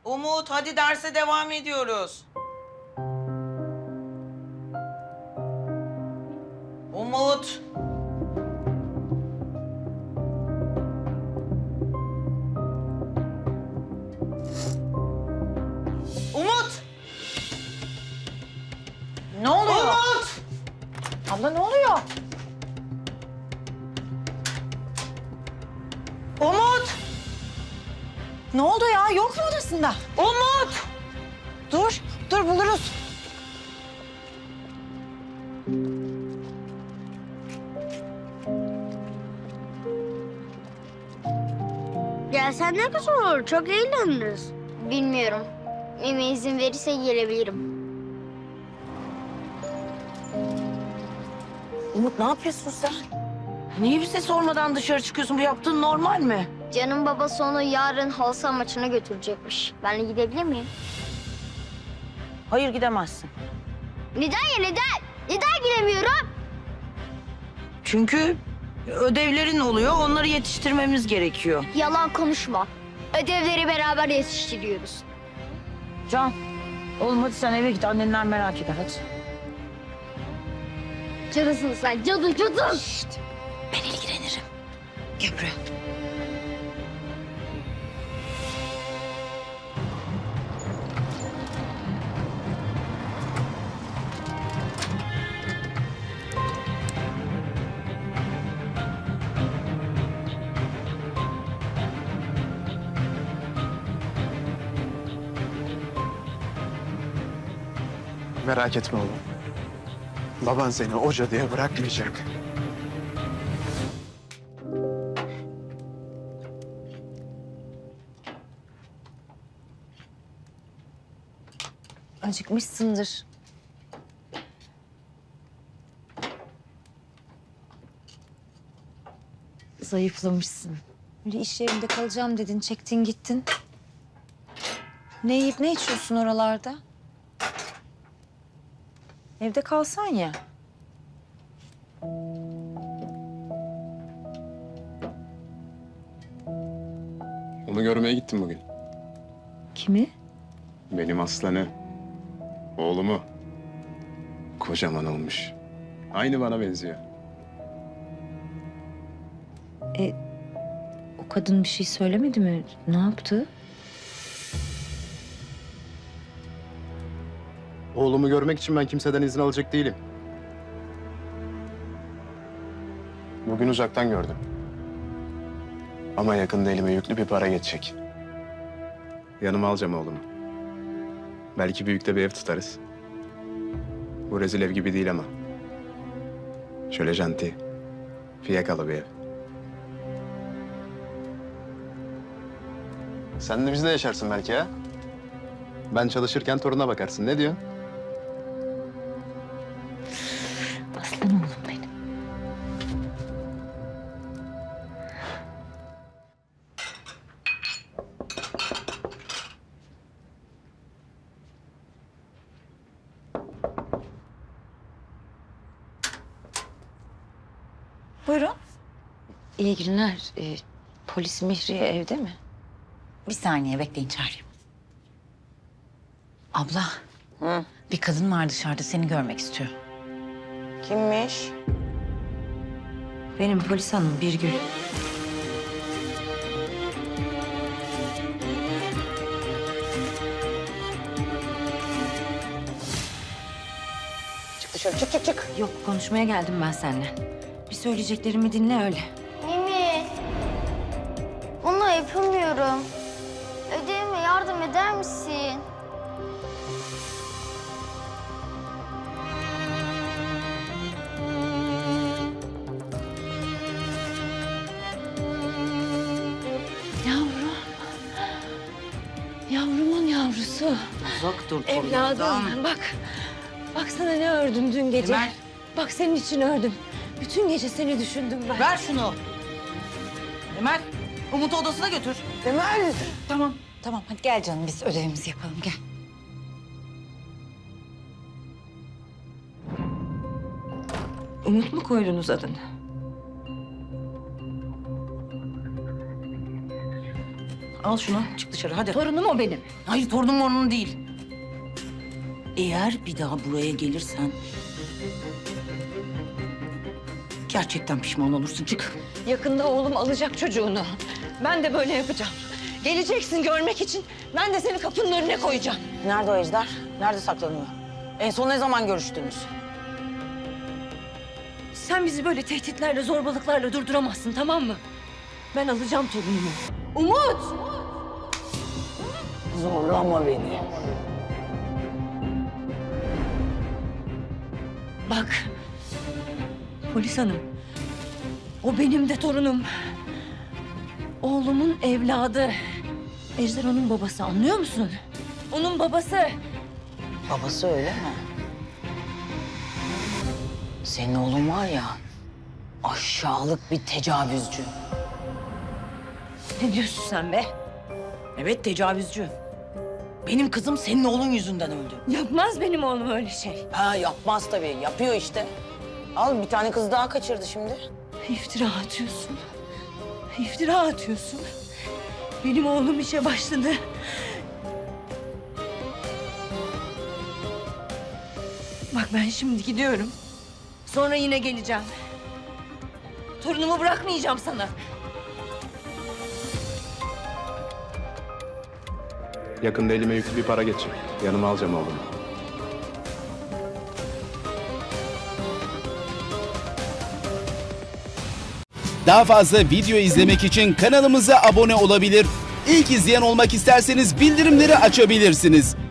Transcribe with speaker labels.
Speaker 1: Umut, hadi derse devam ediyoruz. Umut. Umut.
Speaker 2: Ne oluyor?
Speaker 1: Umut.
Speaker 2: Abla ne oluyor?
Speaker 1: Umut.
Speaker 2: Ne oldu ya? Yok mu odasında?
Speaker 1: Umut.
Speaker 2: Dur buluruz.
Speaker 3: Gelsen ne güzel olur. Çok eğleniriz. Bilmiyorum. Mimi izin verirse gelebilirim.
Speaker 2: Umut ne yapıyorsun sen? Niye bize sormadan dışarı çıkıyorsun? Bu yaptığın normal mi?
Speaker 3: Can'ın babası onu yarın halı saha maçına götürecekmiş. Ben de gidebilir miyim?
Speaker 2: Hayır gidemezsin.
Speaker 3: Neden ya neden? Neden gidemiyorum?
Speaker 2: Çünkü ödevlerin oluyor. Onları yetiştirmemiz gerekiyor.
Speaker 3: Yalan konuşma. Ödevleri beraber yetiştiriyoruz.
Speaker 2: Can, oğlum hadi sen eve git. Annenler merak eder hadi.
Speaker 3: Cadısın sen. Cadı.
Speaker 2: Ben ilgilenirim. Gel buraya.
Speaker 4: Merak etme oğlum. Baban seni o cadıya bırakmayacak.
Speaker 5: Acıkmışsındır. Zayıflamışsın. Böyle iş yerinde kalacağım dedin, çektin gittin. Ne yiyip ne içiyorsun oralarda? Evde kalsan ya.
Speaker 4: Onu görmeye gittim bugün.
Speaker 5: Kimi?
Speaker 4: Benim aslanı. Oğlumu. Kocaman olmuş. Aynı bana benziyor.
Speaker 5: O kadın bir şey söylemedi mi? Ne yaptı?
Speaker 4: Oğlumu görmek için ben kimseden izin alacak değilim. Bugün uzaktan gördüm. Ama yakında elime yüklü bir para geçecek. Yanıma alacağım oğlumu. Belki büyükte bir ev tutarız. Bu rezil ev gibi değil ama. Şöyle janti, fiyakalı bir ev. Sen de bizde yaşarsın belki ha? Ben çalışırken toruna bakarsın. Ne diyorsun?
Speaker 5: Aslan oğlum benim.
Speaker 2: Buyurun.
Speaker 5: İyi günler. Polis Mihriye evde mi?
Speaker 6: Bir saniye bekleyin çağırayım. Abla,
Speaker 2: Hı.
Speaker 6: bir kadın var dışarıda seni görmek istiyor.
Speaker 2: Kimmiş?
Speaker 5: Benim polis hanım Birgül.
Speaker 2: Çık dışarı, çık.
Speaker 5: Yok konuşmaya geldim ben seninle. Bir söyleyeceklerimi dinle öyle.
Speaker 3: Mimi. Bunu yapamıyorum. Ödevime yardım eder misin?
Speaker 5: Yavrum. Yavrumun yavrusu.
Speaker 2: Uzak dur
Speaker 5: Evladım bak. Bak sana ne ördüm dün gece.
Speaker 6: Emel.
Speaker 5: Bak senin için ördüm. Bütün gece seni düşündüm ben.
Speaker 1: Ver şunu. Emel, Umut'u odasına götür.
Speaker 2: Emel.
Speaker 6: Tamam hadi gel canım biz ödevimizi yapalım gel.
Speaker 5: Umut mu koydunuz adını?
Speaker 2: Al şunu, çık dışarı hadi.
Speaker 6: Torunum o benim.
Speaker 2: Hayır, torunum onun değil. Eğer bir daha buraya gelirsen... gerçekten pişman olursun. Çık.
Speaker 5: Yakında oğlum alacak çocuğunu. Ben de böyle yapacağım. Geleceksin görmek için. Ben de seni kapının önüne koyacağım.
Speaker 2: Nerede o Ejder? Nerede saklanıyor? En son ne zaman görüştünüz?
Speaker 5: Sen bizi böyle tehditlerle, zorbalıklarla durduramazsın, tamam mı? Ben alacağım torunumu. Umut!
Speaker 2: Zorlama beni.
Speaker 5: Bak, polis hanım. O benim de torunum. Oğlumun evladı. Ejder onun babası, anlıyor musun? Onun babası.
Speaker 2: Babası öyle mi? Senin oğlun var ya, aşağılık bir tecavüzcü.
Speaker 5: Ne diyorsun sen be?
Speaker 2: Evet, tecavüzcü. Benim kızım senin oğlun yüzünden öldü.
Speaker 5: Yapmaz benim oğlum öyle şey.
Speaker 2: Ha, yapmaz tabii, yapıyor işte. Al, bir tane kız daha kaçırdı şimdi.
Speaker 5: İftira atıyorsun. İftira atıyorsun. Benim oğlum işe başladı. Bak ben şimdi gidiyorum. Sonra yine geleceğim. Torunumu bırakmayacağım sana.
Speaker 4: Yakında elime yüklü bir para geçecek. Yanıma alacağım oğlumu.
Speaker 7: Daha fazla video izlemek için kanalımıza abone olabilir. İlk izleyen olmak isterseniz bildirimleri açabilirsiniz.